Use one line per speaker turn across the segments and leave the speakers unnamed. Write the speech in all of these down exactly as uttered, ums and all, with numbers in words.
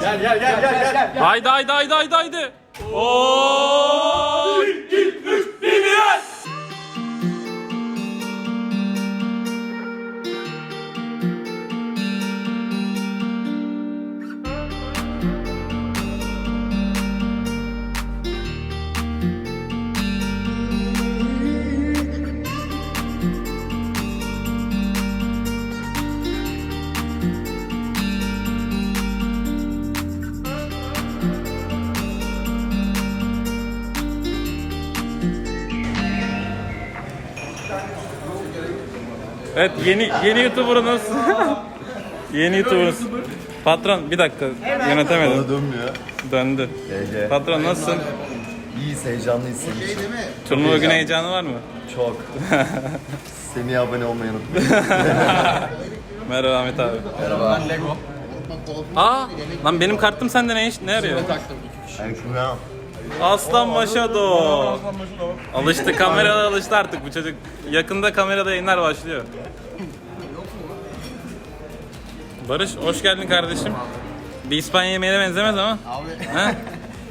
Gel gel gel gel gel. gel.
Haydi haydi haydi haydi haydi. Oo! bir, iki, üç, bir, bir. Evet yeni yeni YouTuber'ınız. Yeni YouTuber'ınız. Patron bir dakika yönetemedim.
Bana dönmüyor.
Döndü.
Ege.
Patron nasılsın?
İyiyiz, heyecanlıyız senin için.
Turnuva günü heyecanı var mı?
Çok. Semih'e abone olmayı unutmayın.
Merhaba Ahmet abi.
Merhaba.
Lego.
Aa lan benim kartım sende ne iş? Ne arıyor?
Ben Kuyan.
Aslan Maşado. Alıştı, kamerada alıştı artık bu çocuk. Yakında kamerada yayınlar başlıyor. Barış hoş geldin kardeşim. Bir İspanya yemeğine benzemez ama.
Abi.
He?
Alışalım.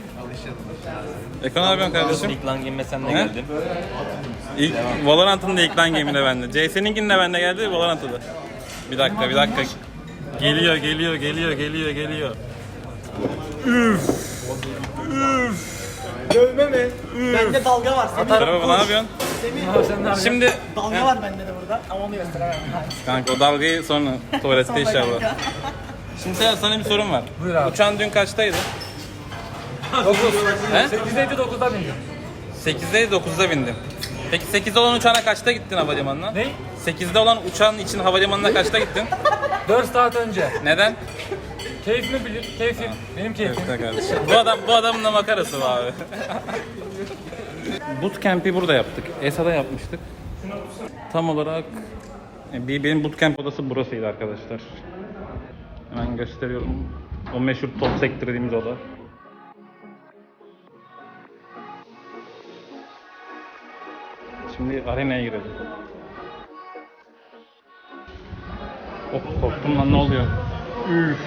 Ekran abi kardeşim.
İlk lan game'e sen de
He?
geldin.
İlk Valorant'ın da ilk lan game'ine bende. C S'ninkinin de bende geldi, Valorant'ta da. Bir dakika, bir dakika. Geliyor, geliyor, geliyor, geliyor, geliyor. Üf. Üf.
Dövme mi? Bende dalga var. Semih.
Merhaba, ne yapıyorsun?
Semih.
Şimdi
Dalga var bende de burada ama onu gösteremem.
kanka o dalgayı sonra tuvalette inşallah. Şimdi Seher, sana bir sorum var.
Buyur abi.
Uçağın dün kaçtaydı?
dokuz.
He?
sekizde dokuzda bindim.
sekizde dokuzda bindim. Peki sekizde olan uçağına kaçta gittin havalimanına?
Ne?
sekizde olan uçağın için havalimanına kaçta gittin?
dört saat önce.
Neden?
Keyfimi bilir, keyfim. Benim keyfim.
Evet kardeşim. Bu adam bu adamın da makarası var abi. Bootcamp'i burada yaptık. E S A'da yapmıştık. Tam olarak bir benim bootcamp odası burasıydı arkadaşlar. Hemen gösteriyorum. O meşhur top sektör dediğimiz oda. Şimdi arenaya girelim. Oh korktum lan, ne oluyor? Üf.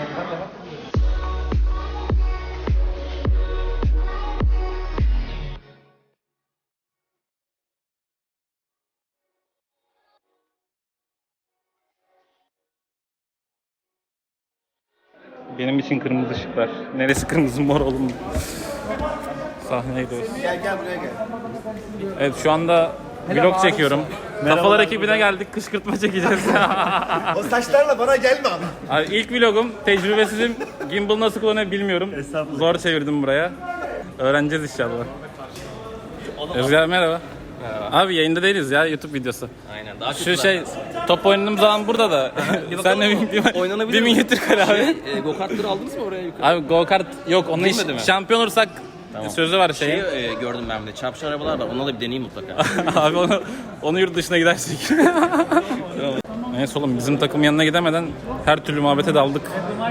Benim için kırmızı ışıklar. Neresi kırmızı, mor oğlum? Sahneye gidiyoruz.
Gel gel buraya gel.
Evet şu anda vlog çekiyorum. Kafalar ekibine geldik, kışkırtma çekeceğiz.
O saçlarla bana gelme abi.
Abi ilk vlogum, tecrübesizim. Gimbal nasıl kullanıyor bilmiyorum. Zor çevirdim buraya. Öğreneceğiz inşallah. Özgür merhaba.
Merhaba.
Abi yayında değiliz ya, YouTube videosu.
Aynen. Daha
Şu şey, top oynadığımız zaman burada da. Sen de bir,
Oynanabilir
bir
mi?
minyatür kar abi.
Şey, e, go-kartları aldınız mı oraya yukarı?
Abi go kart yok, onun iş,
Girmedi mi?
şampiyon olursak sözü var şeyin.
Şeyi e, gördüm ben de. Çarpışan arabalar var. Onunla da bir deneyeyim mutlaka.
Abi onu, onu yurt dışına gidersek. Neyse oğlum, bizim takım yanına gidemeden her türlü muhabbete daldık.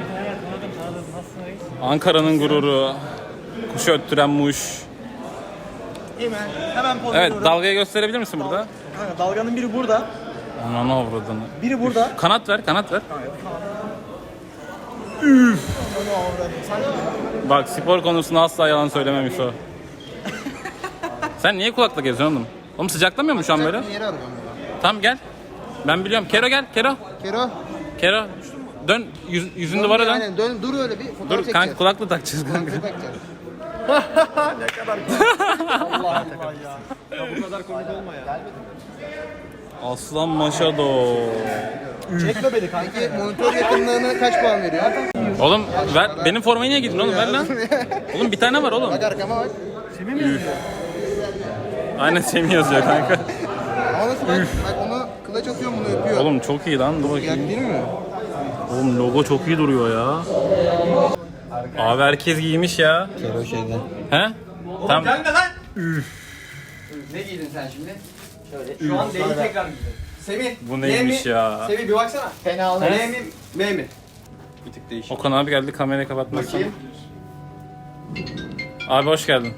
Ankara'nın gururu, kuşu öttüren muş.
Hemen hemen poz
Evet,
veriyorum.
dalgayı gösterebilir misin burada?
Kanka, dalganın biri burada.
Ananı avradını.
Biri burada.
Kanat ver, kanat ver.
Onu avradım. Sen
Bak spor konusunda asla yalan söylememiş o. Sen niye kulaklık geziyorsun oğlum? Oğlum sıcaklamıyor mu şu an böyle?
yeri arıyorum.
Tamam gel. Ben biliyorum. Kero gel, Kero.
Kero.
Kero. Dön, yüz, yüzün duvara dön.
Aynen dön dur öyle bir fotoğraf
Dur
çekeceğiz.
kanka, kulaklığı takacağız kanka.
Ne kadar Allah Allah ya. Ya bu kadar komik olma ya.
Aslan Maşado.
Çekme beni kanki. Monitör yakınlığına kaç puan veriyor?
Oğlum ver, benim formayı niye giydin oğlum, ver lan. Oğlum bir tane var oğlum.
Bak arkama bak. Semih mi yazıyor?
Aynen Semih yazıyor kanka.
Ama nasıl bak, bak onu kılıç atıyor bunu öpüyor.
Oğlum çok iyi lan, dur
Yak
bakayım.
değil mi?
Oğlum logo çok iyi duruyor ya. Abi herkes giymiş ya.
Kero şeyden.
He? Tamam.
Gelme lan. Ne giydin sen şimdi? Şöyle. Şu an D'yi tekrar giydin. Semih.
Bu neymiş
D mi?
ya?
Semih bir baksana. Fena olmaz. M mi? M mi?
Bir tık değişik.
Okan abi geldi, kamerayı kapatmasın.
Bakayım.
Abi hoş geldin.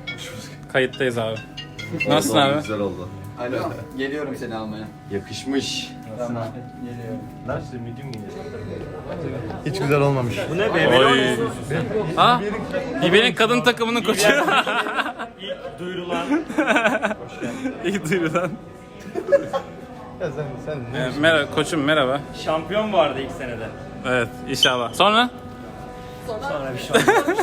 Kayıttayız abi. Nasılsın abi?
Güzel oldu.
Alo. Geliyorum seni almaya.
Yakışmış. Hiç güzel olmamış.
Oy. Ha? İbe'nin kadın takımının koçu.
Duyurulan.
İlk duyurulan.
Ya sen, sen ne?
Ee, merhaba koçum, merhaba.
Şampiyon vardı ilk senede.
Evet, inşallah. Sonra?
Sonra bir şey oldu.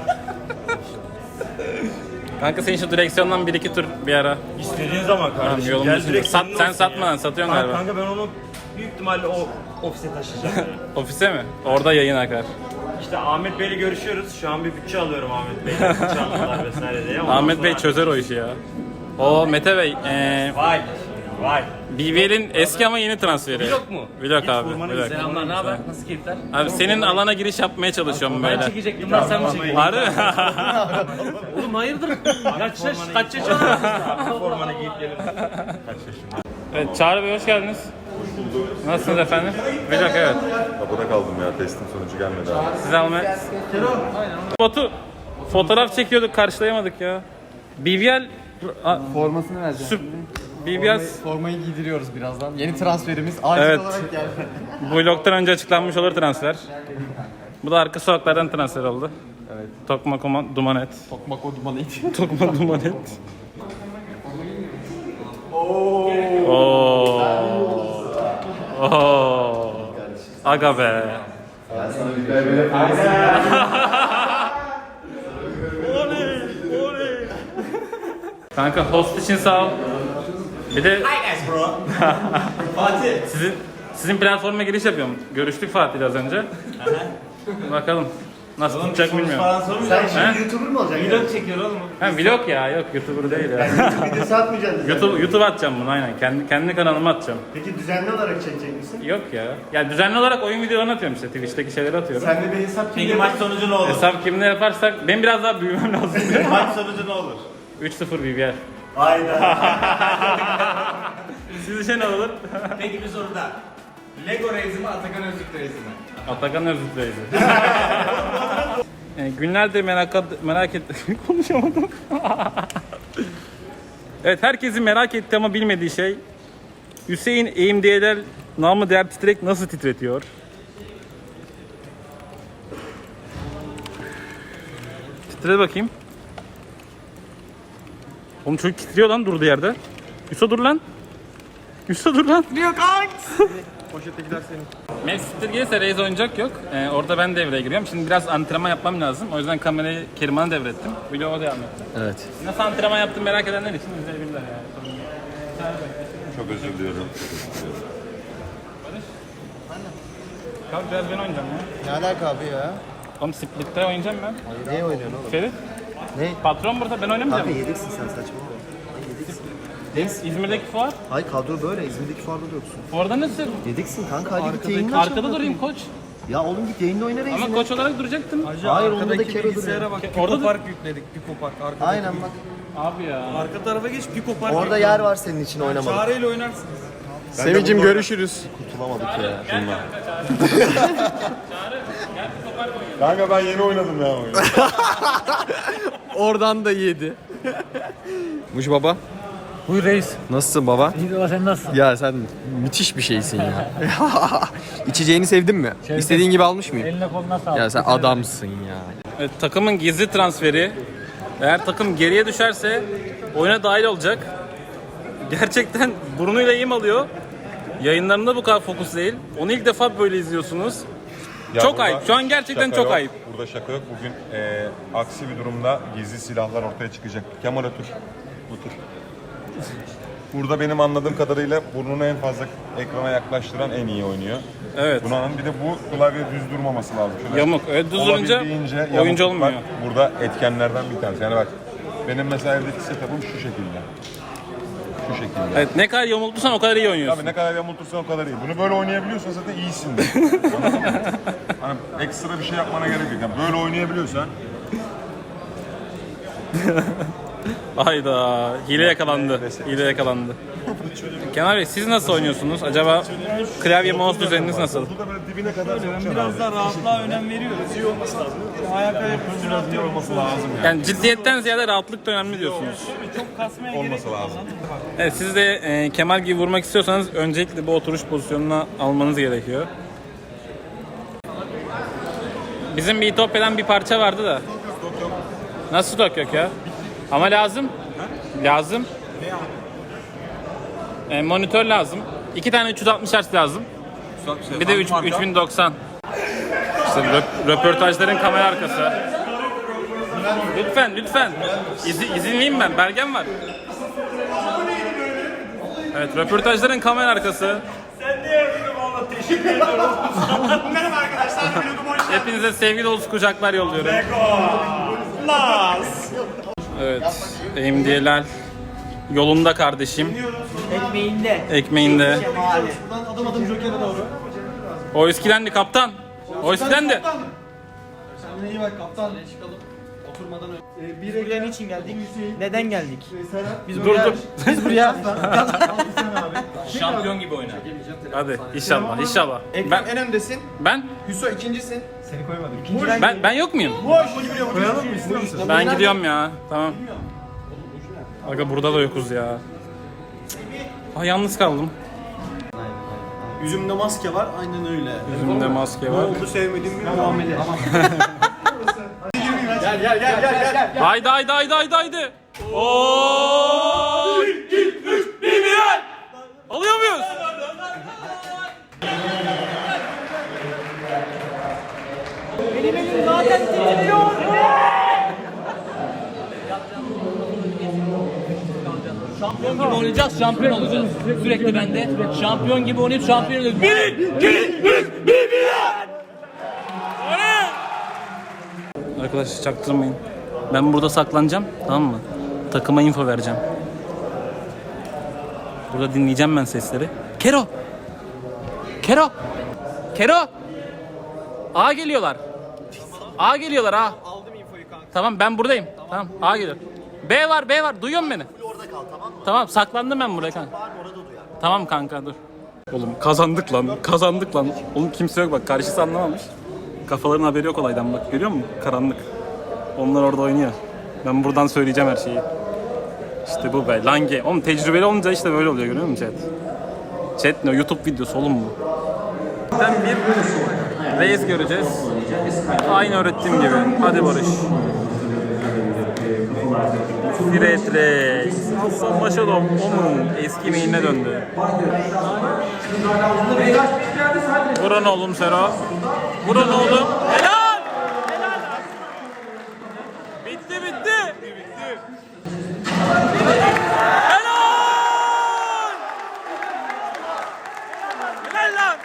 Kanka senin şu direksiyondan bir iki tur bir ara.
İstediğin zaman
Tamam,
kardeşim.
yolun
Gel
dışında.
direkt
Sat,
senin
sen
olsun
satma
ya.
lan, satıyorsun
Kanka,
galiba.
kanka ben onu büyük ihtimalle o ofise taşıyacağım. yani.
Ofise mi? Orada yayın akar.
İşte Ahmet Bey'le görüşüyoruz. Şu an bir bütçe alıyorum Ahmet Bey'le. Bütçe aldılar vesaire diye. Ondan
Ahmet Bey
sonra-
çözer o işi ya. O Mete Bey, eee
Vay. Vay.
B B L'in eski ama yeni transferi.
Vlog mu?
Vlog
Git
abi,
vurmanı
vlog.
izle.
Selamlar, ne haber? Nasıl keyifler?
Abi senin alana giriş yapmaya çalışıyorum böyle.
Çekecektim lan, sen mi çekecektin?
Harbi mi?
Oğlum hayırdır? Kaç yaş, kaç yaş
Formanı giyip gelin.
Evet, Çağrı Bey hoş geldiniz. Nasılsınız efendim? Vlog evet.
Kapıda kaldım ya, testin sonucu gelmedi abi.
Siz almaya... Batu, fotoğraf çekiyorduk, karşılayamadık ya. B B L... A-
Formasını vereceğim.
Süp... B B L...
Formayı giydiriyoruz birazdan. Yeni transferimiz acil
Evet.
olarak geldi.
Bu vlogtan önce açıklanmış olur transfer. Bu da arka sokaklardan transfer oldu.
Evet.
Tokma Kuma- Dumanet.
Tokmak o dumanı it.
Tokma Dumanet. Oo. Oo. Aga be. Kanka host için sağ ol. Bir de
Fatih.
sizin sizin platforma giriş yapıyorum. Görüştük Fatih'le az önce. Bakalım nasıl tutacak bilmiyorum.
Sen
He?
YouTuber mu olacaksın?
Vlog çekiyor oğlum.
Ha vlog ya, yok YouTuber değil ya.
Videosu atmayacaksın.
YouTube YouTube atacağım bunu aynen. Kendi kendi kanalıma atacağım.
Peki düzenli olarak çekecek misin?
Yok ya. Ya düzenli olarak oyun videolarını atıyorum işte. Twitch'teki şeyleri atıyorum.
Sen de bir hesap
Peki maç sonucu ne olur?
Hesap kimle yaparsak benim biraz daha büyümem lazım.
Maç sonucu ne olur?
üç sıfır B B L.
Hayda.
Sizce ne olur?
Peki bir soru daha.
Lego Reis'i mi Atakan Öztürk Reis'i mi?
Atakan Öztürk Reis'i. Yani günlerdir merak, merak et... Konuşamadım. Evet, herkesin merak ettiği ama bilmediği şey Hüseyin A M D L namı değer titrek nasıl titretiyor? Titre bakayım. Oğlum çocuk titriyor lan durduğu yerde. Yusuf dur lan. Yusuf dur lan. Yok
Poşettekiler senin.
Manchester gelirse Reis oyuncak yok. Ee, orada ben devreye giriyorum. Şimdi biraz antrenman yapmam lazım. O yüzden kamerayı Keriman'a devrettim. Vlogu devam ettim.
Evet.
Nasıl antrenman yaptım merak edenler için izleyebilirler yani.
Çok özür diliyorum.
Kalk biraz ben oynayacağım ya.
Ne alaka abi ya?
Oğlum Split'te oynayacağım ben.
Ne oynuyorsun oğlum?
Ferit.
Ne?
Patron burada, ben oynamayacağım.
Kanka yedeksin sen saçmalama. Hayır yedeksin.
İz- İzmir'deki fuar.
Hayır kadro böyle. İzmir'deki fuarda da yoksun.
Fuarda nasıl?
Yedeksin kanka, hadi git yayınla.
Arkada durayım koç.
Ya oğlum git yayında oyna reisini.
Ama koç olarak duracaktım.
Hayır onda da kere duruyor.
Orada da...
yükledik. Pico Park. Arkada.
Aynen bak.
Abi ya.
Arka tarafa geç. Pico Park.
Orada yer var senin için oynamalık.
Çağrı'yla oynarsınız.
Semicim görüşürüz.
Kurtulamadık ya.
Şunla.
Kanka ben yeni oynadım ya oyunu.
Oradan da yedi. Muş baba.
Buyur reis.
Nasılsın baba?
İyi de sen nasılsın?
Ya sen müthiş bir şeysin ya. İçeceğini sevdin mi? İstediğin gibi almış mıyım?
Eline koluna sağlık.
Ya sen adamsın ya.
Evet, takımın gizli transferi. Eğer takım geriye düşerse oyuna dahil olacak. Gerçekten burnuyla yem alıyor. Yayınlarında bu kadar fokus değil. Onu ilk defa böyle izliyorsunuz.
Ya
Çok
burada
ayıp. Şu an gerçekten
şaka
çok
yok.
ayıp.
Burada şaka yok. Bugün e, aksi bir durumda gizli silahlar ortaya çıkacak. Kemal otur. Otur. Burada benim anladığım kadarıyla burnunu en fazla ekrana yaklaştıran en iyi oynuyor.
Evet.
Bunun bir de bu klavye düz durmaması lazım. Şöyle
Yamuk. Evet, düz durunca
olabildiğince
oyuncu
yamukluk
olmuyor.
var. Burada etkenlerden bir tanesi. Yani bak benim mesela evdeki setup'ım şu şekilde. Şu şekilde.
Evet, ne kadar yamultursan o kadar iyi oynuyorsun.
Abi ne kadar yamultursan o kadar iyi. Bunu böyle oynayabiliyorsan zaten iyisin de. Anladın mı? Hani ekstra bir şey yapmana gerek yok. Yani böyle oynayabiliyorsan
Hayda. Hile yakalandı. Hile yakalandı. Kenan Bey siz nasıl oynuyorsunuz? Acaba klavye mouse düzeniniz nasıl?
Burada böyle dibine kadar sokacaksın
Biraz daha rahatlığa önem veriyoruz. İyi olması lazım. Ayak ayak üstüne atıyor.
olması lazım yani.
Yani ciddiyetten ziyade rahatlık da önemli diyorsunuz.
Çok kasmaya gerek
Olması
yok.
lazım.
Evet siz de e, Kemal gibi vurmak istiyorsanız öncelikle bu oturuş pozisyonuna almanız gerekiyor. Bizim bir İtopya'dan bir parça vardı da. Nasıl stok yok ya? Ama lazım. Lazım. E, monitör lazım. İki tane üç yüz altmış hertz lazım. Bir de üç bin doksan. İşte röp- röportajların kamera arkası. Lütfen lütfen. İzi, izinliyim ben. Belgem var. Evet röportajların kamera arkası.
Sen de yardım valla teşekkür ediyorum. Merhaba arkadaşlar. Vlogum hoş geldiniz.
Hepinize sevgi dolusu kucaklar yolluyorum.
Las.
Evet. Emdiyelal yolunda kardeşim.
Ekmeğinde.
Ekmeğinde.
Şemali.
Buradan adım adım Joker'e doğru.
O eskidendi kaptan. O eskidendi.
Kendine iyi bak kaptan. Çıkalım. Oturmadan önce. Ee, bir
Buraya niçin geldik? Neden geldik? Biz
Dur
buraya...
dur.
Biz buraya...
Şampiyon gibi oyna.
Hadi inşallah inşallah.
Ekrem
Ben
en öndesin.
ben
Hüso ikincisin. Seni koymadım.
İkinciden
ben ben yok muyum?
Koyalım mı istiyor musun?
Ben gidiyorum ya. Tamam. Aga burada da yokuz ya. Ay yalnız kaldım.
Yüzümde maske var. Aynen öyle.
Yüzümde maske var.
Oldu sevmediğim bir muamele. Gel gel gel gel gel.
Haydi haydi haydi haydi haydi. Oo! iki üç bir Bilal. Alıyor muyuz?
Benim elim zaten titriyor.
Şampiyon gibi oynayacağız, şampiyon olacağız. Sürekli bende. Şampiyon gibi oynayıp şampiyon olacağız. Bir, iki, üç, bir, bir.
Arkadaşlar çaktırmayın. Ben burada saklanacağım, tamam mı? Takıma info vereceğim. Burada dinleyeceğim ben sesleri. Kero! Kero! Kero! A geliyorlar. A geliyorlar A.
Aldım infoyu kanka.
Tamam ben buradayım. Tamam A geliyor. B var B var duyuyor musun beni?
Orada kal tamam mı?
Tamam saklandım ben buraya kanka.
Var orada duyar.
Tamam kanka dur. Oğlum kazandık lan kazandık lan. Oğlum kimse yok bak karşısı anlamamış. Kafaların haberi yok olaydan bak görüyor musun? Karanlık. Onlar orada oynuyor. Ben buradan söyleyeceğim her şeyi. İşte bu be Lange. Oğlum tecrübeli olunca işte böyle oluyor görüyor musun chat? Chat ne YouTube videosu oğlum bu. Ben bir reis göreceğiz. Aynı öğrettiğim gibi. Hadi Barış. Firet Reis. Aslan Başalom. Onun eski main'ine döndü. Vurun oğlum Sero. Vurun oğlum. Helal! Helal! Bitti bitti. Bitti. Helal! Helal lan!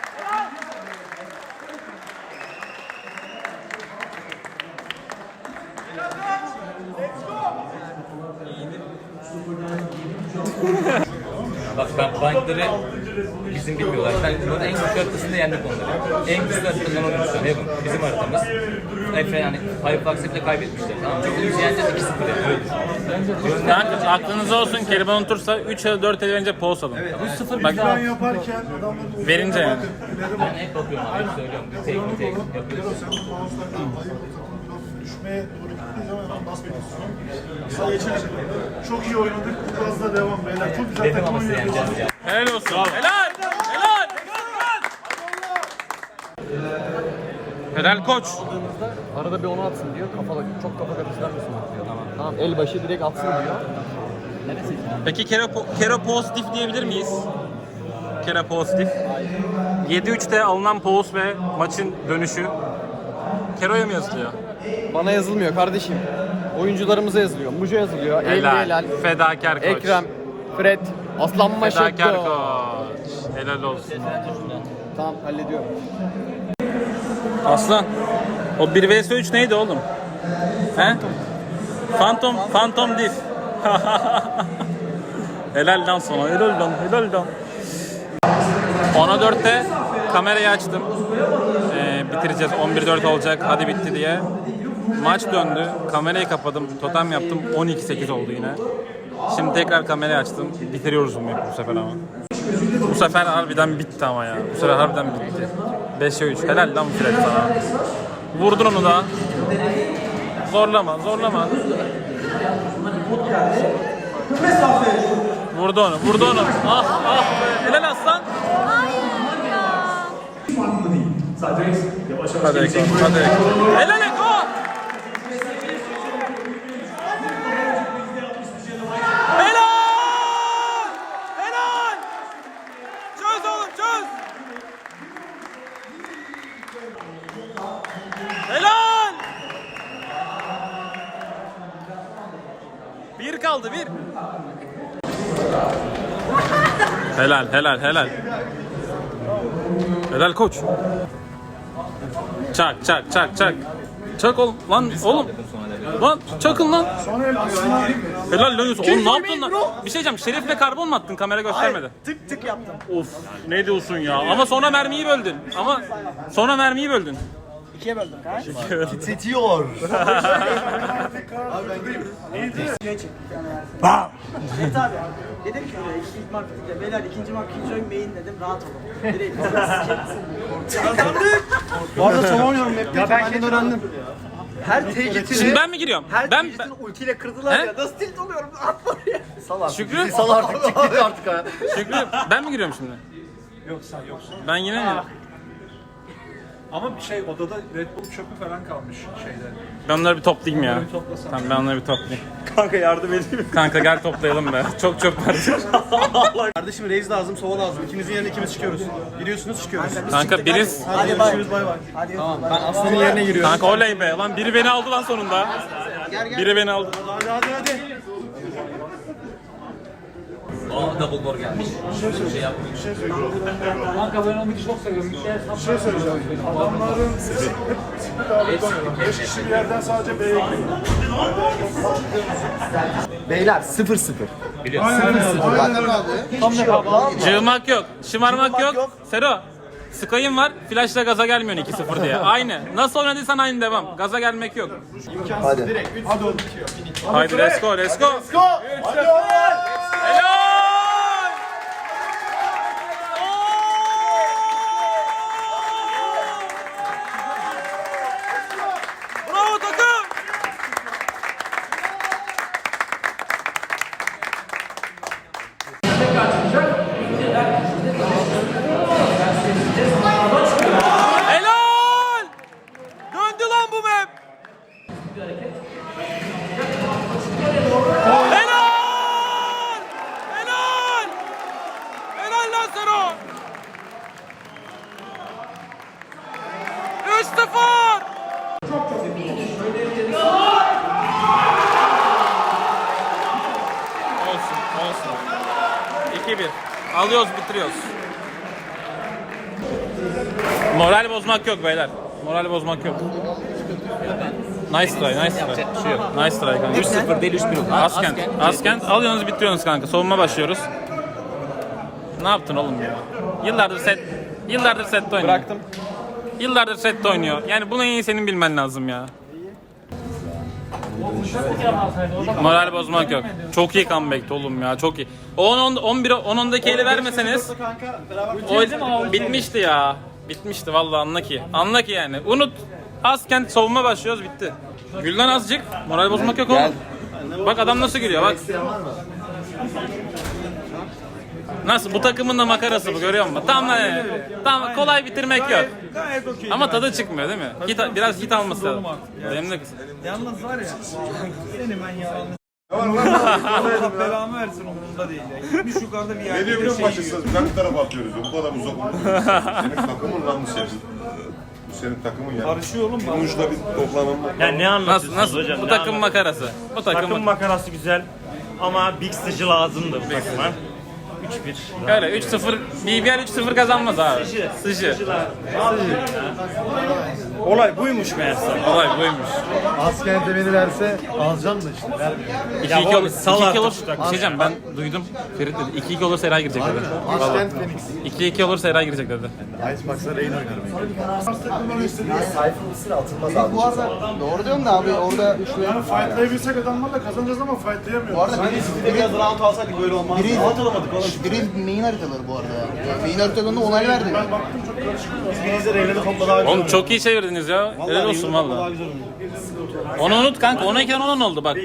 Bak ben bankları bizim bilmiyorlar. Ben bunun en güçlü haritasında yendik onları. En güçlü haritadan oynuyorsun. Heaven. Bizim haritamız. Efe yani Firefox'ı bile kaybetmişler. Tamam mı? Çok iyi yeneceğiz iki sıfır yani. Öyle düşün.
Kanka aklınızda olsun Keriman unutursa üç ya da dört el verince pause alın. üç sıfır bak
yaparken adamların
verince yani.
Ben hep bakıyorum abi. Hep söylüyorum. Bir tek bir tek yapıyoruz.
düşmeye doğru gittiği zaman hemen basmıyorsun. Sağ geçelim. Çok iyi oynadık. Biraz da devam beyler. Çok güzel
Dedim
takım
ama size
oynuyoruz.
yeneceğiz ya.
Helal olsun. Helal. Helal. Helal koç.
Arada bir onu atsın diyor. Kafalı, çok kafa karıştırmasın diyor. Tamam. Tamam. El başı direkt atsın diyor.
Peki Kero, Kero pozitif diyebilir miyiz? Kero pozitif. yedi üçte alınan pause ve maçın dönüşü Kero'ya mı yazılıyor?
Bana yazılmıyor kardeşim. Oyuncularımıza yazılıyor. Muja yazılıyor.
Helal.
Helal.
Fedakar koç.
Ekrem. Fred. Aslan Maşetto.
Fedakar koç. Helal olsun.
Tamam hallediyorum.
Aslan. O bir vs üç neydi oğlum? He? Phantom, Phantom Diff. Helal lan sana, helal lan, helal lan. ona dörtte kamerayı açtım. Ee, bitireceğiz, on bir dört olacak, hadi bitti diye. Maç döndü. Kamerayı kapadım. Totem yaptım. on iki sekiz oldu yine. Şimdi tekrar kamerayı açtım. Bitiriyoruz bu map'i bu sefer ama. Bu sefer harbiden bitti ama ya. Bu sefer harbiden bitti. beşe üç. Helal lan Fred sana. Vurdun onu da. Zorlama, zorlama. Vurdu onu, vurdu onu. Ah, ah be. Helal aslan. Hadi Eko, hadi Eko. Helal Eko. Helal! Helal! Çöz oğlum, çöz. Helal! Bir kaldı, bir. Helal, helal, helal. Helal koç. Çak, çak, çak, çak. Çak oğlum, lan oğlum. Lan çakın lan. Helal lan Yusuf. Oğlum ne yaptın lan? Bir şey diyeceğim, Şerif'le karbon mu attın? Kamera göstermedi.
Tık tık yaptım.
Of, ne diyorsun ya? Ama sonra mermiyi böldün. Ama sonra mermiyi böldün.
İkiye böldüm kanka.
Titriyor.
Evet abi. Dedim ki buraya ilk, ilk marketingde beyler ikinci mark ikinci oyun main dedim rahat olun. Direkt
Bu arada son oynuyorum map'te. Ya ben öğrendim.
her tekitini
Şimdi ben mi giriyorum?
her
Ben,
tekitini
ben
ultiyle kırdılar
He?
ya. Nasıl tilt oluyorum? Atma oraya.
Sal artık.
Şükrü?
Bizi sal artık. Çık git artık ha.
Şükrü, ben mi giriyorum şimdi?
Yok sen yoksun.
Ben yine mi?
Ama bir şey odada Red Bull çöpü falan kalmış şeyde.
Ben onları bir toplayayım ya.
Bir toplasam.
Tamam ben onları bir toplayayım.
Kanka yardım edeyim.
Kanka gel toplayalım be. Çok çöp var.
Kardeşim reis lazım, sova lazım. İkinizin yerine ikimiz çıkıyoruz. Giriyorsunuz çıkıyoruz.
Kanka biriz.
Hadi görüşürüz bay bay.
Hadi
Tamam ben Aslan'ın yerine giriyorum.
Kanka oley be. Lan biri beni aldı lan sonunda. Biri beni aldı.
Hadi hadi hadi.
Aa double door gelmiş. Bir şey yapmıyor.
Bir şey söyleyeceğim. Adamların beş kişi bir yerden sadece B'ye gidiyor.
Beyler sıfır sıfır.
Cığmak yok. Şımarmak yok. Sero. Sky'ın var. Flash'la gaza gelmiyorsun iki sıfır diye. Aynı. Nasıl oynadıysan aynı devam. Gaza gelmek yok.
Hadi.
Hadi oğlum.
Haydi let's go let's go.
Hadi oğlum.
Helal! Bravo takım! Helal! Döndü lan bu map! Helal! Helal! Helal lan Sero! üç sıfır! Olsun, olsun. iki bir. Alıyoruz, bitiriyoruz. Moral bozmak yok beyler. Moral bozmak yok. Nice try, nice try.
Yapacak bir şey yok.
Nice try kanka.
üç sıfır değil üç bir oldu.
Askent, Askent. Alıyorsunuz, bitiriyorsunuz kanka. Savunma başlıyoruz. Ne yaptın oğlum ya? Yıllardır set, yıllardır sette oynuyor.
Bıraktım.
Yıllardır sette oynuyor. Yani bunu en iyi senin bilmen lazım ya. Moral bozmak yok. Çok iyi comeback'ti oğlum ya, çok iyi. on on on bir on ondaki eli vermeseniz o bitmişti ya. Bitmişti vallahi, anla ki. Anla ki yani. Unut. Askent savunma başlıyoruz, bitti. Gülden azıcık. Moral bozmak yok oğlum. Bak adam nasıl gülüyor bak. Nasıl? Bu takımın da makarası bu, görüyor musun? Tam yani, tam kolay bitirmek yok. Ama tadı çıkmıyor değil mi? Hit, biraz hit alması lazım. Benim de kız.
Yalnız var ya. Seni ben yalanlı. Allah belamı versin umurumda değil ya. Gitmiş yukarıda bir
Ne
yerde
diyor
de
biliyor
şey
musun?
yiyor.
Biz hangi tarafa atıyoruz? Bu kadar uzak. Senin takımın lan bu senin. Bu senin takımın ya.
Karışıyor oğlum bana.
Uçta bir toplanalım.
Ya ne
Nasıl?
anlatıyorsunuz
Nasıl?
hocam?
Bu
Ne
takım
anlatıyorsunuz?
makarası. Bu takım,
Takım makarası güzel ama big sıcı lazımdı bu takıma. üç bir.
Öyle üç sıfır, B B L üç sıfır kazanmaz abi. Sıcı.
Olay buymuş meğerse.
Olay buymuş.
Askerde beni verse alacağım da işte.
iki iki olur.
sal
iki iki
artık
olur.
şu
Bir
takımı.
şey diyeceğim, ben duydum. Ferit dedi. iki iki olursa Eray girecek dedi.
Askent Phoenix.
iki iki olursa Eray girecek dedi.
Icebox'a Rain oynar
Bu arada doğru diyorum da abi orada şu
Yani fightlayabilsek adamlarla kazanacağız ama fightlayamıyoruz.
bu arada biri,
Biraz round alsaydık böyle olmaz.
biri,
Round alamadık oğlum.
biri main haritaları bu arada ya. Yani main haritalarında onay verdi.
Ben baktım çok karışık.
Biz birinizde Reyne'de topla daha güzel
Oğlum çok iyi çevirdiniz ya. Helal olsun
Daha
valla.
güzel oynuyor.
Onu unut kanka. on iken on oldu bak.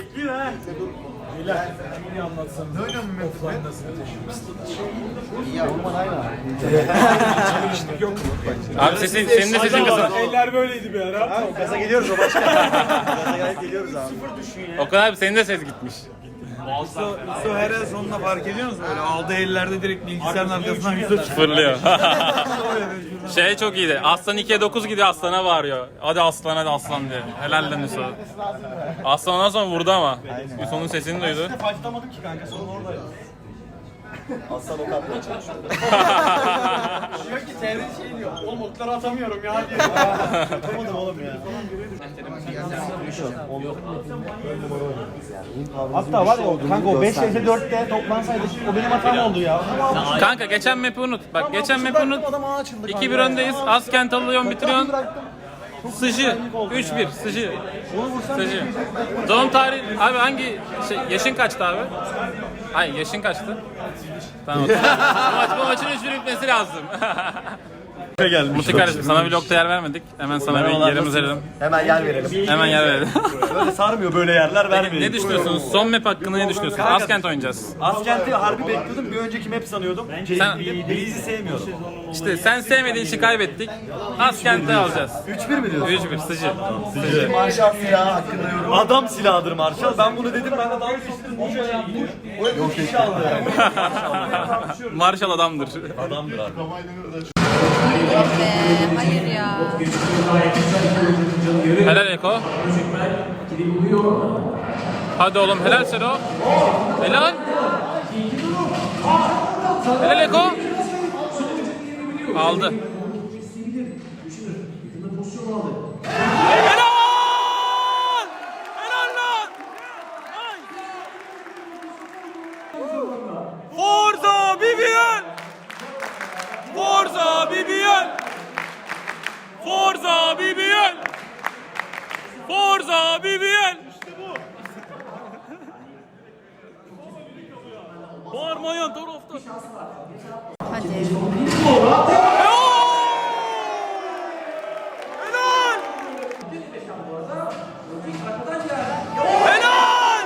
Abi sesin, senin de sesin kısın.
Eller böyleydi bir ara.
Gaza geliyoruz o başka. Gaza gelip geliyoruz abi.
O kadar abi senin de ses gitmiş.
Su, su her el sonunda fark ediyor musun? Böyle aldığı ellerde direkt bilgisayarın arkasından yüzde çıkıyor.
Fırlıyor. Şey çok iyiydi. Aslan ikiye dokuz gidiyor, Aslan'a bağırıyor. Hadi Aslan, hadi Aslan diye. Helal lan Hüso. Aslan ondan sonra vurdu ama. Hüso'nun sesini duydu.
Fight'lamadım ki kanka sorun orada ya. Aslan o kapıya çalışıyor.
Diyor ki Terry şey diyor. Oğlum okları atamıyorum ya diyor.
Yapamadım oğlum ya.
Hatta var ya o kanka o beş vs dörtte toplansaydı o benim hatam oldu ya.
Kanka geçen map'i unut. Bak geçen map'i unut. iki bir öndeyiz. Askent alıyorsun, bitiriyorsun. Sıcı. üç bir. Sıcı. Sıcı. Doğum tarihi. Abi hangi şey, yaşın kaçtı abi? Hayır yaşın kaçtı? Tamam. bu, maç, bu maçın üç bir bitmesi lazım. Muti kardeşim sana vlogta yer vermedik. Hemen sana bir yerimiz verelim.
Hemen yer verelim.
Hemen yer verelim.
Böyle sarmıyor böyle yerler vermeyin.
Ne düşünüyorsunuz? Son map hakkında ne düşünüyorsunuz? Askent oynayacağız.
Askent'i harbi bekliyordum. Bir önceki map sanıyordum.
Sen-
Breeze'i sevmiyordum.
İşte sen sevmediğin için kaybettik. Askent'i alacağız.
üç bir mi diyorsun?
üç bir sıcı. Sıcı.
Marshall silahı hakkında yorum. Adam silahıdır Marshall. Ben bunu dedim. Ben de dalga geçtim. Bu şey yaptı. Bu yok kişi aldı yani.
Marshall adamdır.
Adamdır abi.
Yok be, hayır ya.
Helal Eko. Hadi oğlum helal Sero. Helal. Helal Eko. Aldı. Helal! Helal lan! Forza B B L! Forza B B L! Forza B B L! Forza B B L! Bağırmayan taraftar.
Hadi.
Helal! Helal! Helal!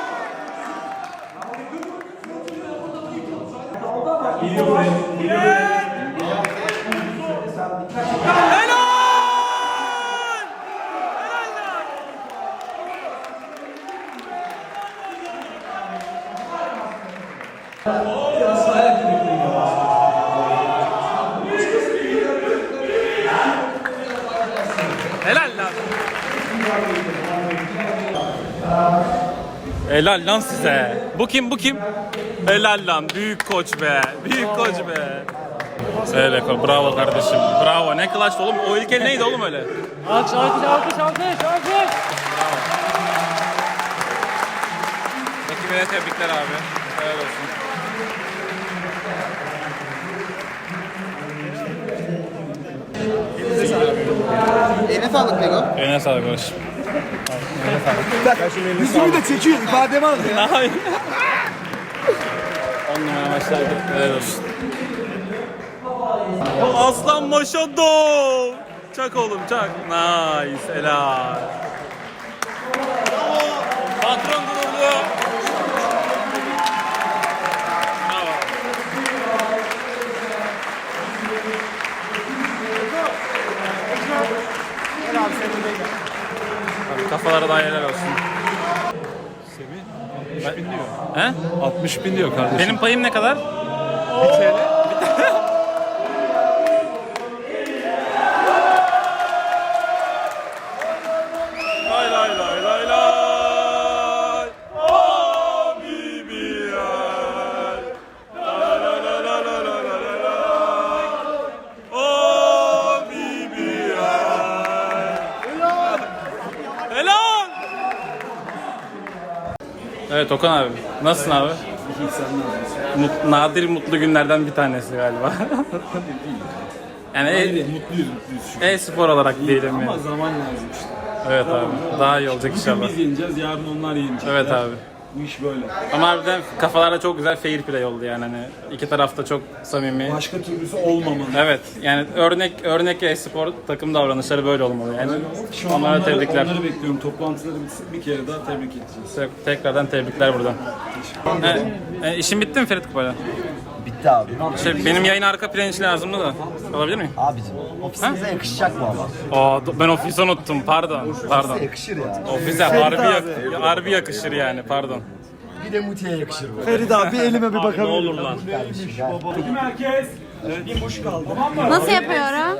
Helal! Helal lan. Helal lan size. Bu kim bu kim? Helal lan büyük koç be. Büyük koç be. Evet bravo kardeşim. Bravo. Ne clutch oğlum. O ilk el neydi oğlum öyle? Alkış alkış alkış alkış alkış. Ekibine tebrikler abi. Helal olsun.
Eline sağlık Lego.
Eline sağlık Barış.
Yüzümü de çekiyor, ifademi al ya.
Hayır. On numara maçlardı. Helal olsun. Aslan Maşado. Çak oğlum çak. Nice. Helal. Patron gururlu. Bravo. Abi kafalara da helal olsun. Semih altmış bin diyor. He?
altmış bin diyor kardeşim.
Benim payım ne kadar? Lay lay lay lay lay. Habibiyel. La la la la Evet Okan abi. Nasılsın abi?
İyi sen ne yapıyorsun?
Mut, nadir mutlu günlerden bir tanesi galiba. yani
Hayır,
e-
mutluyuz mutluyuz şu an.
e-spor olarak diyelim
Ama
yani.
zaman lazım işte.
Evet abi. Daha iyi olacak
Bugün
inşallah.
biz yeneceğiz, yarın onlar yenecekler.
Evet abi.
Bu iş böyle.
Ama harbiden kafalarda çok güzel fair play oldu yani hani iki tarafta çok samimi.
Başka türlüsü olmamalı.
Evet yani örnek örnek e-spor takım davranışları böyle olmalı yani.
Şu an
Onlara
onları,
tebrikler.
onları bekliyorum. Toplantıları bitsin, bir kere daha tebrik edeceğiz.
Tek- Tekrardan tebrikler buradan. E, e, işin bitti mi Ferit Kupayla?
Bitti abi.
Şey, benim yayın arka planı lazımdı da. Alabilir miyim?
Abicim ofisimize yakışacak mı ama?
Aa, do- ben ofisi unuttum pardon. Pardon.
Yakışır ya.
Ofise harbi, yak- harbi yakışır yani pardon.
Bir de Muti'ye yakışır bu.
Ferit abi elime bir bakabilir.
Ne olur lan.
Kardeşim gel.
Herkes bir boş kaldı.
Nasıl yapıyorum?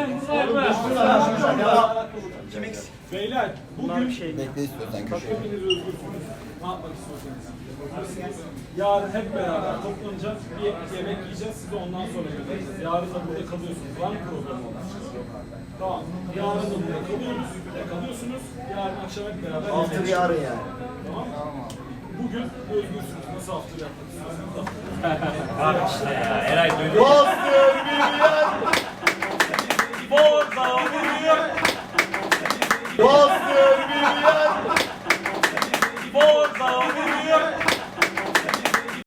Beyler bugün
Bekle istiyorsan köşeye.
hepiniz özgürsünüz. Ne yapmak istiyorsanız. Yarın hep beraber toplanacağız. Bir yemek yiyeceğiz. Sizi ondan sonra göreceğiz. Yarın da burada kalıyorsunuz. Var mı program olan? Tamam. Yarın da burada kalıyoruz. Burada kalıyorsunuz. Yarın akşam hep beraber
Altı
yemek
bir arı yani.
Bugün özgürsünüz. Nasıl hafta yapmak istiyorsanız.
Bak işte ya. Eray duydun.
Bastır milyon.
Forza vuruyor.
Bastır milyon.
Forza vuruyor.